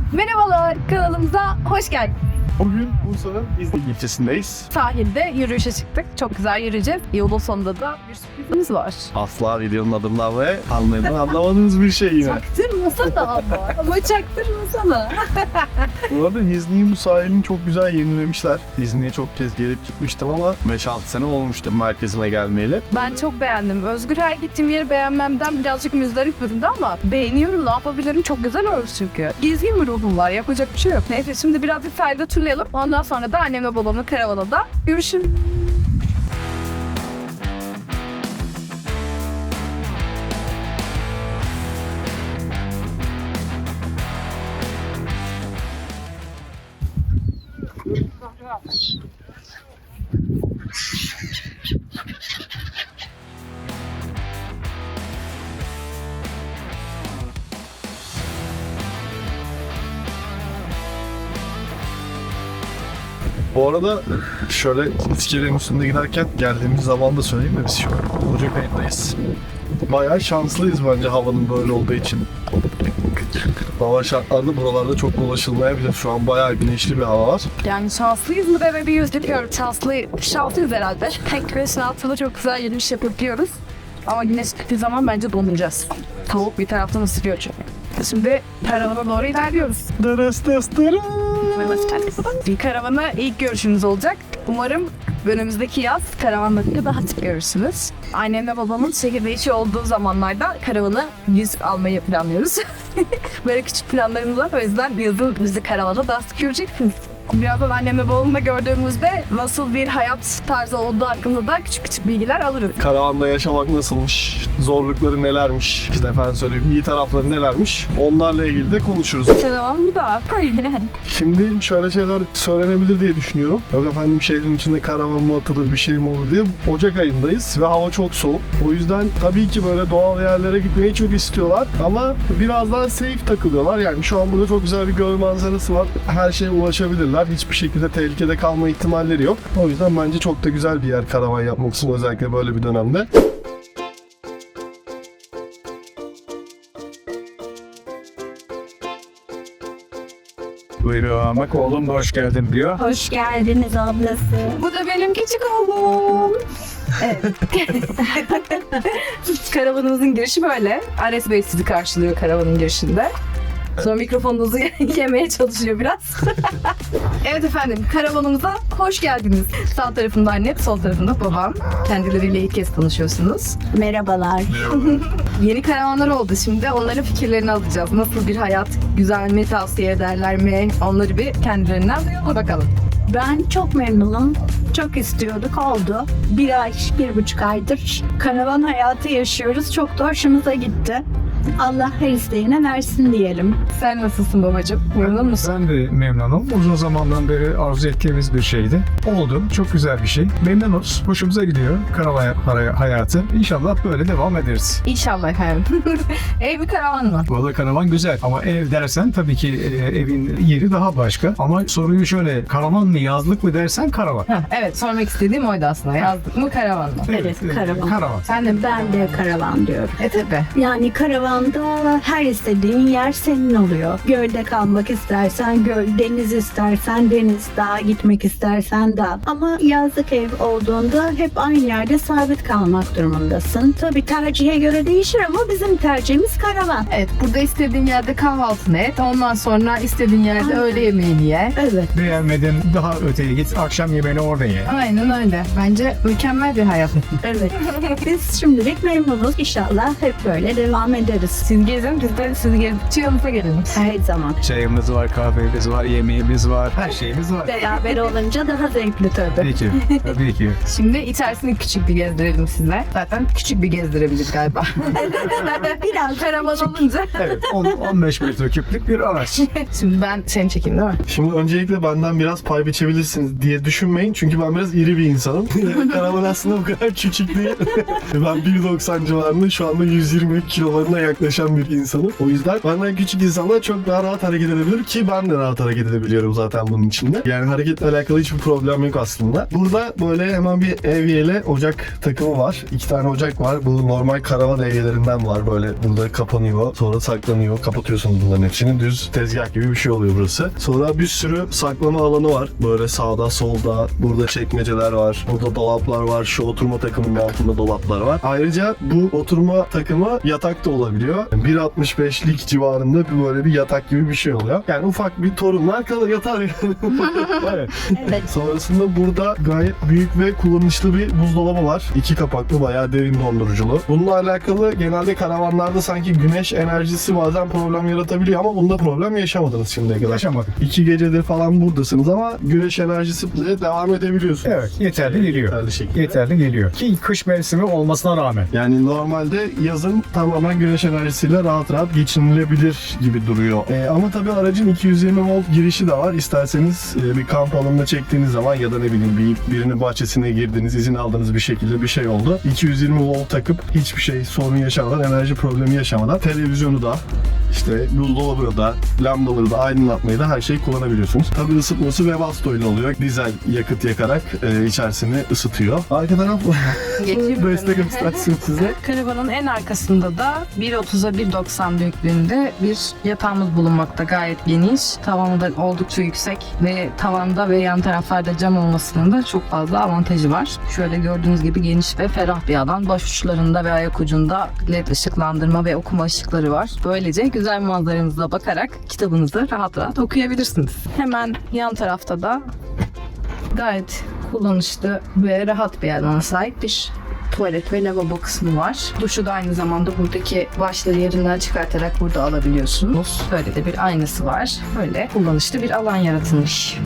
Merhabalar, kanalımıza hoş geldiniz. Bugün Bursa'nın İznik ilçesindeyiz. Sahilde yürüyüşe çıktık. Çok güzel yürüyeceğiz. Yolun sonunda da bir sürprizimiz var. Asla videonun adından ve anlayan anlamadığınız bir şey yine. Çaktırmasana ama çaktırmasana. Bu arada İznik'in bu sahilini çok güzel yenilemişler. İznik'e çok kez gelip gitmiştim ama 5-6 sene olmuştu merkezine gelmeyeli. Ben çok beğendim. Özgür her gittiğim yeri beğenmemden birazcık müzdarip durumda ama beğeniyorum. Ne yapabilirim? Çok güzel olmuş çünkü. Gezgin bir ruhum var. Yapacak bir şey yok. Neyse şimdi birazcık sahilde turlayalım. Ondan sonra da annemle babamla karavana da görüşürüz. Bu arada şöyle iskelenin üstünde giderken geldiğimiz zaman da söyleyeyim de biz şu an Ocak ayındayız. Bayağı şanslıyız bence havanın böyle olduğu için. Hava şartlarında buralarda çok dolaşılmayabilir. Şu an bayağı güneşli bir hava var. Yani şanslıyız mı deme bir yüz diyorum. Şanslıyız herhalde. Güneşin altında çok güzel yürüyüş yapabiliyoruz. Ama güneş çıktığı zaman bence donacağız. Tavuk bir taraftan ısırıyor çünkü. Şimdi karavana doğru ilerliyoruz. Karavana ilk görüşümüz olacak. Umarım önümüzdeki yaz karavanlarında daha sık görürsünüz. Annemle babamın şehirde işi olduğu zamanlarda karavanı yüz almayı planlıyoruz. Böyle küçük planlarımız var. O yüzden yazın bizi karavana daha sık göreceksiniz. Birazdan annemle babamla gördüğümüzde nasıl bir hayat tarzı olduğu hakkında da küçük küçük bilgiler alırız. Karavanda yaşamak nasılmış, zorlukları nelermiş, işte efendim söyleyeyim iyi tarafları nelermiş, onlarla ilgili de konuşuruz. Karavan bu da. Şimdi şöyle şeyler söylenebilir diye düşünüyorum. Yok efendim şehrin içinde karavan mı atılır, bir şey mi olur diye. Ocak ayındayız ve hava çok soğuk. O yüzden tabii ki böyle doğal yerlere gitmeyi çok istiyorlar ama biraz daha safe takılıyorlar. Yani şu an burada çok güzel bir göl manzarası var. Her şeye ulaşabilirler. Hiçbir şekilde tehlikede kalma ihtimalleri yok. O yüzden bence çok da güzel bir yer karavan yapmak için özellikle böyle bir dönemde. Buyurun bak oğlum da hoş geldin diyor. Hoş geldiniz ablası. Bu da benim küçük oğlum. Evet. Karavanımızın girişi böyle. Ares Bey sizi karşılıyor karavanın girişinde. Sonra mikrofonunuzu yemeye çalışıyor biraz. Evet efendim, karavanımıza hoş geldiniz. Sağ tarafımda annem, sol tarafımda babam. Kendileriyle ilk kez tanışıyorsunuz. Merhabalar. Yeni karavanlar oldu şimdi. Onların fikirlerini alacağız. Nasıl bir hayat, güzel mi, tavsiye ederler mi? Onları bir kendilerinden duyalım bakalım. Ben çok memnunum. Çok istiyorduk, oldu. 1,5 aydır karavan hayatı yaşıyoruz. Çok da hoşumuza gitti. Allah her isteğine versin diyelim. Sen nasılsın babacığım? Memnun musun? Ben de memnunum. Uzun zamandan beri arzu ettiğimiz bir şeydi. Oldu. Çok güzel bir şey. Memnunuz. Hoşumuza gidiyor karavan hayatı. İnşallah böyle devam ederiz. İnşallah efendim. Ev mi karavan mı? Valla karavan güzel ama ev dersen tabii ki evin yeri daha başka. Ama soruyu şöyle karavan mı yazlık mı dersen karavan. Evet, sormak istediğim oydu aslında. Yazdık mı karavan mı? Evet, karavan. Karavan. Sen de Ben de karavan diyorum. tabii. Yani karavanda her istediğin yer senin oluyor. Gölde kalmak istersen göl, deniz istersen deniz, dağa gitmek istersen dağ. Ama yazlık ev olduğunda hep aynı yerde sabit kalmak durumundasın. Tabii tercihe göre değişir ama bizim tercihimiz karavan. Evet, burada istediğin yerde kahvaltını et. Ondan sonra istediğin yerde Aynen. öğle yemeğini ye. Evet. Beğenmedin daha öteye git. Akşam yemeğini orada ye. Aynen öyle. Bence mükemmel bir hayat. Evet. Biz şimdilik memnunuz. İnşallah hep böyle devam ederiz. Siz gezin, biz de siz gezdikçe yanınıza gelelim. Her zaman. Çayımız var, kahvemiz var, yemeğimiz var. Her şeyimiz var. Beraber olunca daha zevkli tabii. Tabii ki. Tabii ki. Şimdi içerisini küçük bir gezdirelim size. Zaten küçük bir gezdirebiliriz galiba. Biraz Karavan olunca. Evet. 15 metreküplük bir araç. Şimdi ben seni çekeyim değil mi? Şimdi öncelikle benden biraz pay biçebilirsiniz diye düşünmeyin. Çünkü ben biraz iri bir insanım. Karavan aslında bu kadar küçük değil. Ben 1,90 civarında, şu anda 120 kilolarına yaklaşan bir insanım. O yüzden benden küçük insanlar çok daha rahat hareket edebilir ki ben de rahat hareket edebiliyorum zaten bunun içinde. Yani hareketle alakalı hiçbir problem yok aslında. Burada böyle hemen bir evyeli ocak takımı var. 2 tane ocak var. Bu normal karavan evyelerinden var. Böyle burada kapanıyor. Sonra saklanıyor. Kapatıyorsunuz bunların hepsini. Düz tezgah gibi bir şey oluyor burası. Sonra bir sürü saklama alanı var. Böyle sağda solda. Burada çekmeceler var. Burada dolaplar var. Şu oturma takımının altında dolaplar var. Ayrıca bu oturma takımı yatak da olabiliyor. 1.65'lik civarında böyle bir yatak gibi bir şey oluyor. Yani ufak bir torunlar kalır yatar yani. Evet. Evet. Sonrasında burada gayet büyük ve kullanışlı bir buzdolabı var. 2 kapaklı, bayağı derin donduruculu. Bununla alakalı genelde karavanlarda sanki güneş enerjisi bazen problem yaratabiliyor ama bunda problem yaşamadınız şimdiye kadar. Yaşamadık. 2 gecedir falan buradasınız ama güneş enerjisi bile devam edebiliyorsunuz. Evet, yeterli geliyor. Yeterli şekilde. Yeterli geliyor. Ki kış mevsimi olmasına rağmen. Yani normalde yazın tamamen güneş enerjisiyle rahat rahat geçinilebilir gibi duruyor. Ama tabii aracın 220 volt girişi de var. İsterseniz bir kamp alanına çektiğiniz zaman ya da ne bileyim birinin bahçesine girdiniz, izin aldığınız bir şekilde bir şey oldu. 220 volt takıp hiçbir şey sorun yaşamadan, enerji problemi yaşamadan televizyonu da işte buzdolabını da, lambaları da, aydınlatmayı da her şeyi kullanabiliyorsunuz. Tabii ısıtması Webasto ile oluyor. Dizel yakıt yakarak içerisini ısıtıyor. Arka taraf Geçeyim destek mi? isterseniz size. Karavanın en arkasında da 1.30'a 1.90 büyüklüğünde bir yatağımız bulunmakta. Gayet geniş. Tavanı da oldukça yüksek ve tavanda ve yan taraflarda cam olmasının da çok fazla avantajı var. Şöyle gördüğünüz gibi geniş ve ferah bir alan. Baş uçlarında ve ayak ucunda led ışıklandırma ve okuma ışıkları var. Böylece güzel manzaranıza bakarak kitabınızı rahat rahat okuyabilirsiniz. Hemen yan tarafta da gayet kullanışlı ve rahat bir alana sahip bir tuvalet ve lavabo kısmı var. Duşu da aynı zamanda buradaki başları yerinden çıkartarak burada alabiliyorsunuz. Böyle de bir aynası var. Böyle kullanışlı bir alan yaratılmış.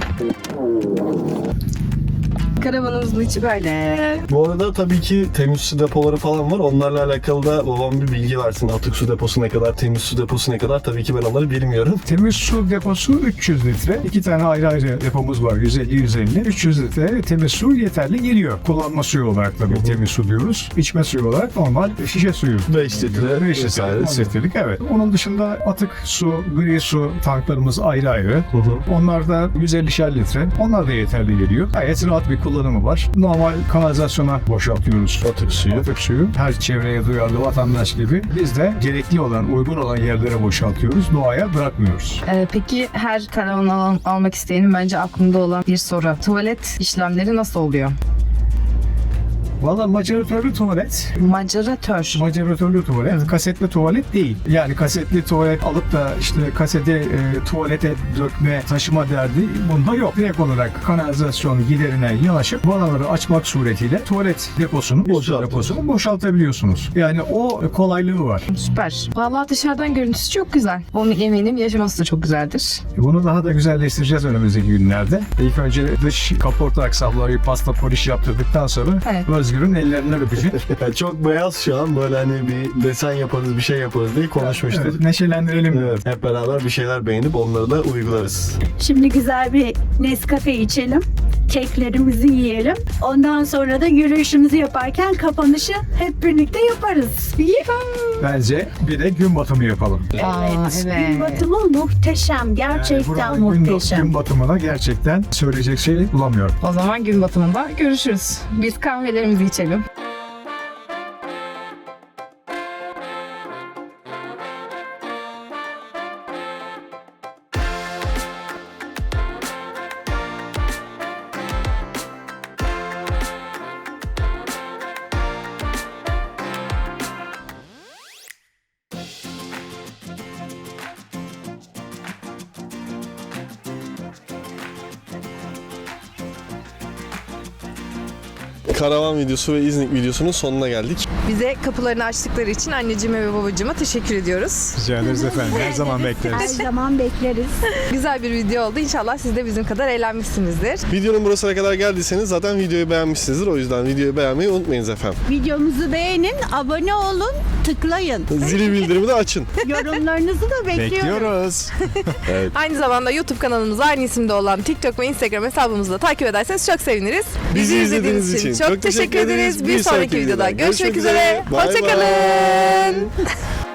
Karavanımızın içi böyle. Bu arada tabii ki temiz su depoları falan var. Onlarla alakalı da babam bir bilgi versin. Atık su deposu ne kadar, temiz su deposu ne kadar. Tabii ki ben onları bilmiyorum. Temiz su deposu 300 litre. 2 tane ayrı ayrı depomuz var. 150-150. 300 litre temiz su yeterli geliyor. Kullanma suyu olarak tabii temiz su diyoruz. İçme suyu olarak normal şişe suyu. 5 litre 5 vesaire. 10 litrelik evet. Onun dışında atık su, gri su tanklarımız ayrı ayrı. Onlar da 150'şer litre. Onlar da yeterli geliyor. Gayet rahat bir kullanımı var. Normal kanalizasyona boşaltıyoruz Atık suyu. atık suyu. Her çevreye duyarlı vatandaş gibi biz de gerekli olan, uygun olan yerlere boşaltıyoruz. Doğaya bırakmıyoruz. Peki her karavan almak isteyenin bence aklında olan bir soru. Tuvalet işlemleri nasıl oluyor? Valla maceratörlü tuvalet, Maceratör. kasetli tuvalet değil. Yani kasetli tuvalet alıp da işte kasete tuvalete dökme, taşıma derdi bunda yok. Direkt olarak kanalizasyon giderine yanaşıp vanaları açmak suretiyle tuvalet deposunu, boşaltabiliyorsunuz. Yani o kolaylığı var. Süper. Vallahi dışarıdan görüntüsü çok güzel. Onun eminim yaşaması da çok güzeldir. Bunu daha da güzelleştireceğiz önümüzdeki günlerde. İlk önce dış kaporta aksamları, pasta poliş yaptırdıktan sonra Evet. Özgür'ün ellerinden öpecek. Yani çok beyaz şu an. Böyle hani bir desen yaparız, bir şey yaparız diye konuşmuştuk. Evet, neşelendirelim. Evet, hep beraber bir şeyler beğenip onları da uygularız. Şimdi güzel bir Nescafe içelim. Keklerimizi yiyelim. Ondan sonra da yürüyüşümüzü yaparken kapanışı hep birlikte yaparız. Bence bir de gün batımı yapalım. Evet. Gün batımı muhteşem. Gerçekten Yani muhteşem. gün batımına gerçekten söyleyecek şey bulamıyorum. O zaman gün batımında görüşürüz. Biz kahvelerimizi içelim. Karavan videosu ve İznik videosunun sonuna geldik. Bize kapılarını açtıkları için anneciğime ve babacığıma teşekkür ediyoruz. Rica ederiz efendim. Her zaman Her bekleriz. zaman bekleriz. Güzel bir video oldu. İnşallah siz de bizim kadar eğlenmişsinizdir. Videonun burasına kadar geldiyseniz zaten videoyu beğenmişsinizdir. O yüzden videoyu beğenmeyi unutmayınız efendim. Videomuzu beğenin, abone olun, tıklayın. Zili bildirimi de açın. Yorumlarınızı da bekliyoruz. Bekliyoruz. Aynı zamanda YouTube kanalımız aynı isimde olan TikTok ve Instagram hesabımızı da takip ederseniz çok seviniriz. Bizi izlediğiniz için çok teşekkür ederiz. Bir sonraki videoda görüşmek üzere. Bay bay. Hoşçakalın.